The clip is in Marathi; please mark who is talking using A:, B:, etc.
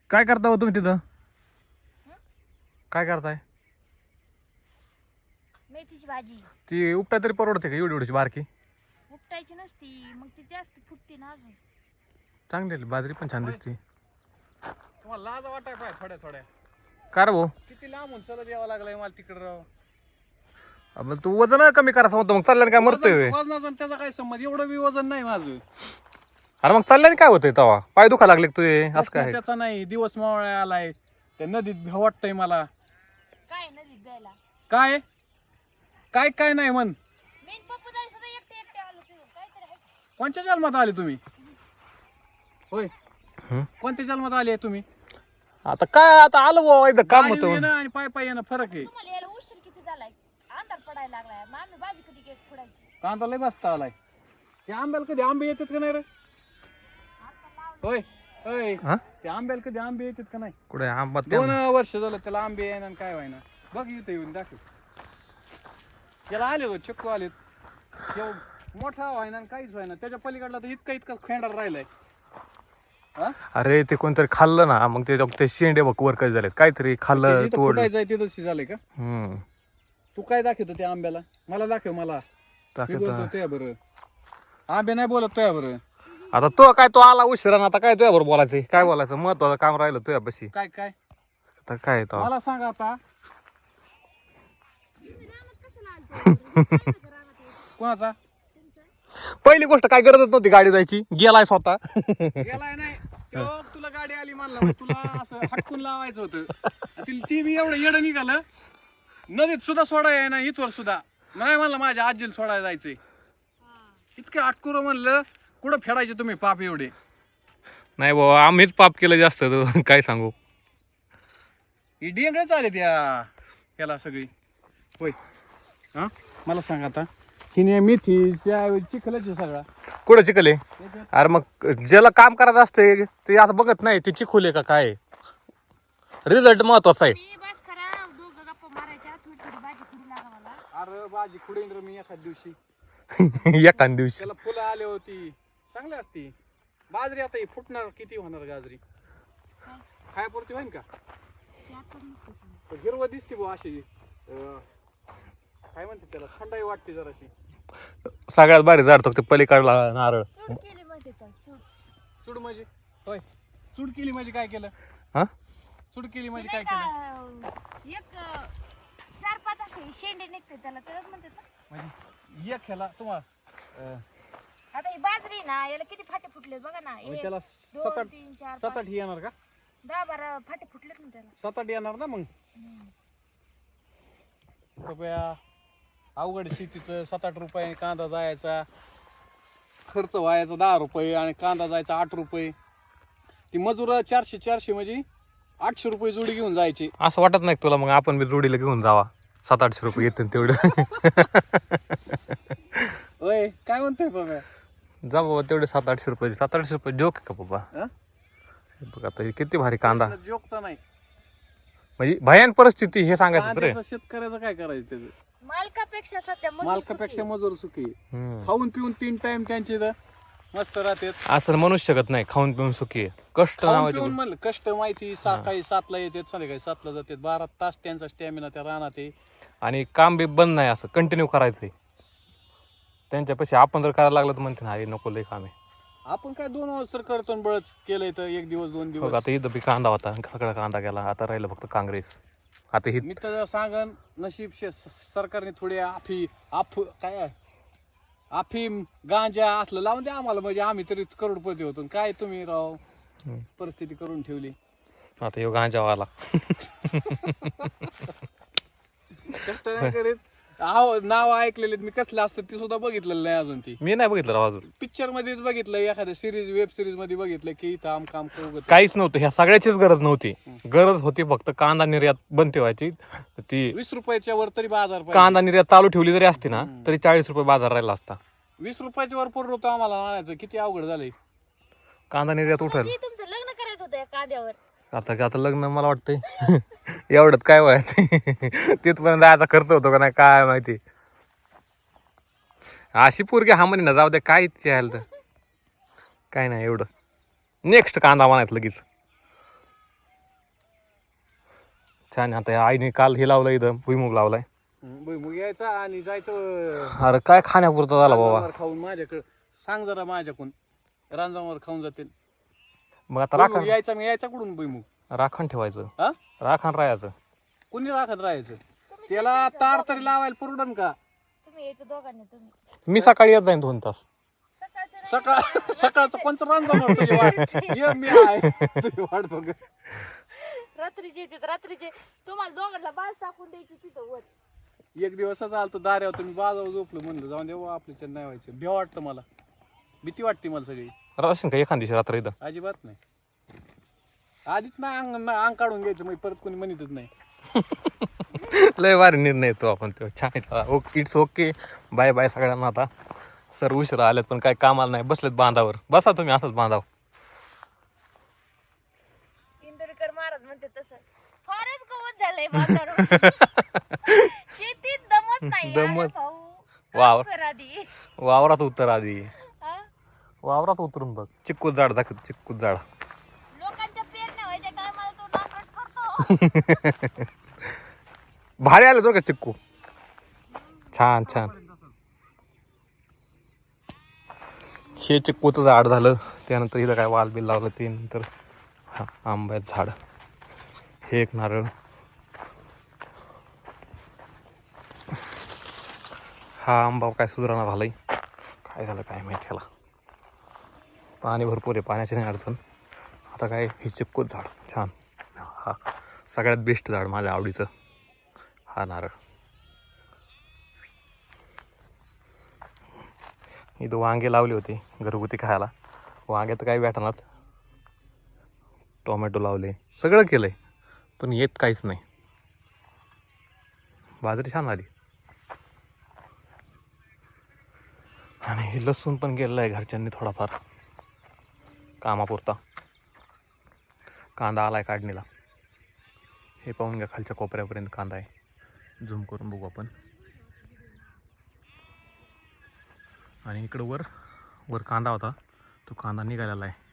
A: काय करता हो तुम्ही तिथं? काय करताय?
B: मेथीची भाजी
A: ती उपटा तरी परवडते का एवढी एवढीची बारकी?
B: उपटायची नसती, मग ती जास्त फुटते ना अजून.
A: चांगली आहे, बाजरी पण छान दिसते.
C: तुम्हाला लाज वाटाय पाय थोड्या थोड्या.
A: का रे भाऊ?
C: किती लांबून चलत यावं लागलंय मला तिकडे राव.
A: मग तू वजन कमी करायचं होतं, मग चालल्याने काय मरतोय?
C: वजनाचा आणि त्याचा काय संबंध? एवढं बी वजन नाही माझं.
A: अरे मग चालल्याने काय होतंय तवा? पाय दुखा लागले का तुझे? असं काय?
C: त्याचा नाही, दिवस मावळा आलाय त्या नदीत भ्या वाटतंय मला.
B: काय नदीत जायला?
C: काय काय काय नाही म्हण.
B: मेन पप्पू दाई सुद्धा एकटे एकटे आलो तुझं काहीतरी आहे.
C: कोणत्या जन्मात आले तुम्ही? होय,
A: हं?
C: कोणत्या जन्मात आले तुम्ही?
A: आता काय आता आलो भाऊ एकदा काम
C: गाडीवर
A: होतं.
C: येणं आणि पाय पाय येणं फरक आहे.
B: तुम्हाला यायला उशीर किती झालाय? अंधार पडायला लागलाय. मग आम्ही भाजी कधी केक फोडायची?
C: कांदा लय बसता आलाय. ते आंब्याला कधी आंबे येतात का नाही रे? होय होय,
A: हा?
C: ते आंब्याला कधी आंबे येतात का नाही?
A: कुठे आंबा
C: 2 वर्ष झालं त्याला आंबे येणार काय व्हायना. बघ इथं येऊन दाखव. त्याला आले हो चिक्कू आलेत. मोठा व्हायना आणि काहीच व्हायना. त्याच्या पलीकडला तर इतका इतका खेंडार राहिलाय. हा?
A: अरे ते कोणतरी खाल्लं ना, मग ते शेंडे बघ वर काय झाले, काहीतरी खाल्लं तोड.
C: फुटायचं आहे तिथंच झालंय का?
A: हम्म
C: तू काय दाखवतो त्या आंब्याला? मला दाखव मला. मी बोलतो तुया बरं. आंबे नाही बोलत तुया बरं.
A: आता तो काय तो आला उशिरा ना, आता काय तुझ्या बरोबर बोलायचं? काय बोलायचं? महत्वाचं काम राहिलं तुझ्यापाशी.
C: काय काय
A: आता काय तो
C: मला सांग आता. कोणाचा?
A: पहिली गोष्ट काय गरजच नव्हती गाडी जायची, गेलाय स्वतः.
C: गेलाय नाही तो. तुला गाडी आली म्हणला, तुला असं हटकून लावायचं होतं. ती बी एवढं येडं निघालं. नदीत सुद्धा सोडाय ना, इथवर सुद्धा नाही म्हणलं माझ्या आजीला सोडायला जायचंय. इतकं हटकूर म्हणलं. कुठं फेडायचे तुम्ही पाप एवढे?
A: नाही बाबा, आम्हीच पाप केलं जास्त, तो काय सांगू.
C: ही डेंगळच आले त्याला सगळी. होय हा, मला सांग आता. हिने मेथी चिखलाची सगळा
A: कुठं चिखल आहे? अरे मग ज्याला काम करायचं असते ते असं बघत नाही ते चिखुले का काय. रिझल्ट महत्वाचा आहे.
B: मी बस करा दोघं गप्पा मारायच्या. थोडी थोडी भाजी करू लागा मला.
C: अरे भाजी खुडेन रे मी एखाद दिवशी.
A: एखाद दिवशी
C: त्याला फुलं आले होती चांगली असती. बाजरी आता ही फुटणार किती होणार गाजरी? खायापुरती होईन का? पण हिरवं दिसते बुवा अशी. काय म्हणते त्याला, थंडाई वाटते जराशी.
A: सगळ्यात भारी झाड तो ते पलीकडला नारळ.
B: चूड केली माहिती का? चूड.
C: चूड म्हणजे? होय, चूड केली म्हणजे काय केलं?
A: हा
C: चूड केली म्हणजे
B: नाही
C: काय केलं?
B: का, एक 4-5 असे शेंडे निघते त्याला, त्यालाच म्हणतात ना.
C: म्हणजे एक ह्याला तुम्हाला
B: आता ही बाजरी ना, याला किती फाटे फुटले बघा ना.
C: म्हणजे
B: 1
C: त्याला
B: 2
C: 7-8
B: 3 4
C: 7-8 येणार का?
B: 10-12 फाटे फुटलेत ना त्याला.
C: 7-8 येणार ना मग. रुपया अवघड शेतीचं. 7-8 रुपये कांदा जायचा, खर्च व्हायचा 10 रुपये आणि कांदा जायचा 8 रुपये. ती मजूर 400 म्हणजे 800 रुपये जोडी घेऊन जायची.
A: असं वाटत नाही तुला मग आपण बी जोडीला घेऊन जावा? 700-800 रुपये येतील तेवढे.
C: होय, काय म्हणतोय बाबा?
A: जा बाबा, तेवढे 700-800 रुपये. 700-800 रुपये जोक का बाबा?
C: हा?
A: बघ आता किती भारी कांदा.
C: जोकचा नाही.
A: म्हणजे भयान परिस्थिती हे सांगायचं रे.
C: कांद्याचं शेतकऱ्याचं काय करायचं त्याचं?
B: मालकापेक्षा सध्या मजूर
C: मालकापेक्षा
B: सुखी.
C: मजूर सुखी.
A: हम्म.
C: खाऊन पिऊन 3 टाइम त्यांचे इथं मस्त राहतात.
A: असं म्हणूच शकत नाही खाऊन पिऊन सुखी आहे. कष्ट
C: खाऊन
A: नावाचे
C: पिऊन म्हणलं कष्ट माहिती. सकाळी 7ला येतात, संध्याकाळी 7ला जातात. 12 तास त्यांचा स्टॅमिना त्या रानात आहे.
A: आणि काम बी बंद नाही, असं कंटिन्यू करायचंय. त्यांच्यापाशी आपण जर करायला लागलं तर म्हणते ना, अरे नको लय काम आहे.
C: आपण काय 2 वर्ष तर करतो आणि बळच केलंय तर 1 दिवस 2
A: बघ
C: दिवस.
A: आता इथं बी कांदा होता, सगळा कांदा गेला. आता राहिलं फक्त काँग्रेस. आता ही
C: मी तर सांगन नशीब सरकारने थोडे अफीम गांजा असलं लावून द्या आम्हाला, म्हणजे आम्ही तरी करोडपती होतो. काय तुम्ही राव परिस्थिती करून ठेवली.
A: आता यो गांजावाला.
C: कष्ट नाही करीत. नाव ऐकलेले मी, कसलं असतं ते सुद्धा बघितलेलं नाही अजून. ती
A: मी नाही बघितलं राव अजून.
C: पिक्चर मध्येच बघितलं, एखाद्या सिरीज वेब सिरीज मध्ये बघितलं की इथं काम
A: काहीच नव्हतं. ह्या सगळ्याचीच गरज नव्हती. गरज होती फक्त कांदा निर्यात बंद ठेवायची. ती
C: 20 रुपयाच्या वर तरी बाजार पाहिजे.
A: कांदा निर्यात चालू ठेवली जरी असती ना, तरी 40 रुपये बाजार राहिला असता.
C: 20 रुपयाच्या वर पुरलो होतं आम्हाला आणायचं. किती अवघड झालंय.
A: कांदा निर्यात उठल.
B: की तुमचं लग्न करायचं होतं या कांद्यावर.
A: आता लग्न मला वाटतंय एवढ्यात काय व्हायचं. तिथपर्यंत जायचा खर्च होतो का नाही काय माहिती. अशी पोरगी हा म्हणे ना, जाऊ द्या काय यायला तर काय नाही एवढं. नेक्स्ट कांदा म्हणायचं लगेच. छान आहे. आता या आईने काल हे लावलं इथं भुईमुग लावलाय.
C: मग यायचा आणि जायचं
A: अरे काय खाण्यापुरतं झाला बाबा.
C: रांजणावर खाऊन माझ्याकडे सांग जरा माझ्याकडून रांजणावर खाऊन जातील.
A: मग आता
C: भुईमुग
A: राखण
C: यायचा, मग यायचा कुठून भुईमुग?
A: राखण ठेवायचं,
C: हा
A: राखण राहायचं.
C: कुणी राखत राहायचं? त्याला तार तरी लावायला पुरडन का?
B: तुम्ही यायचं दोघांनी तुम्ही.
A: मी सकाळी येत जाईन 2 तास.
C: सकाळचं पंच रांजणार तुझी वाट. ये मी आहे तुझी वाट बघ.
B: रात्रीचे येते रात्रीचे तुम्हाला दोघांना बाज टाकून द्यायची तिथं वर.
C: एक दिवसच आलतो दाऱ्यावर, तुम्ही बाजावर झोपलो, म्हणलं जाऊन देऊ आपल्याच्या नाही व्हायचं. भ्या वाटतं मला, भीती वाटते मला सगळी.
A: राहशील का एखाद दिवशी रात्र इथं?
C: अजिबात नाही. आधीच ना अंग काढून घ्यायचं, मग परत कोणी म्हणतच नाही.
A: लय भारी निर्णय येतो आपण तो. छान. Okay, it's okay. Bye bye सगळ्यांना. आता सर उशिरा आलेत पण काय कामाला नाही, बसलेत बांधावर. बसा तुम्ही असंच बांधाव.
B: इंदोरीकर महाराज म्हणते तसं फारच गवत झालंय बाजारावर. शेतीत दमत नाही यार
A: दमत.
B: भाऊ.
A: वावर.
B: काम कर आधी.
A: वावरात उतर आधी.
B: हा?
A: वावरात उतरून बघ. चिक्कू झाड दाखव, चिक्कू झाड.
B: लोकांच्या पेरण्या व्हायच्या टायमाला तो नांगरट करतो.
A: भारी आले तो का चिक्कू. छान छान. हे चिक्कूचं झाड झालं. त्यानंतर इथं काय वाल बिल लावलं. ते नंतर हा आंब्याचं झाड. हे एक नारळ. हा आंबा काय सुधारणा झालाय. काय झालं काय माहिती ह्याला. पाणी भरपूर आहे, पाण्याची नाही अडचण. आता काय हे चिक्कूच झाड छान. हा सगळ्यात बेस्ट झाड माझ्या आवडीचं. हा नारळ. इथं वांगे लावले होते घरगुती खायला. वांगे तर काही भेटणार. टोमॅटो लावले, सगळं केलंय पण येत काहीच नाही. बाजरी छान आली. आणि हे लसूण पण गेलेलं आहे घरच्यांनी थोडाफार कामापुरता. कांदा आलाय काढणीला. हे पाहून घ्या, खालच्या कोपऱ्यापर्यंत कांदा आहे. झूम करून बघू आपण. आणि इकडं वर कांदा होता, तो कांदा निघालेला आहे.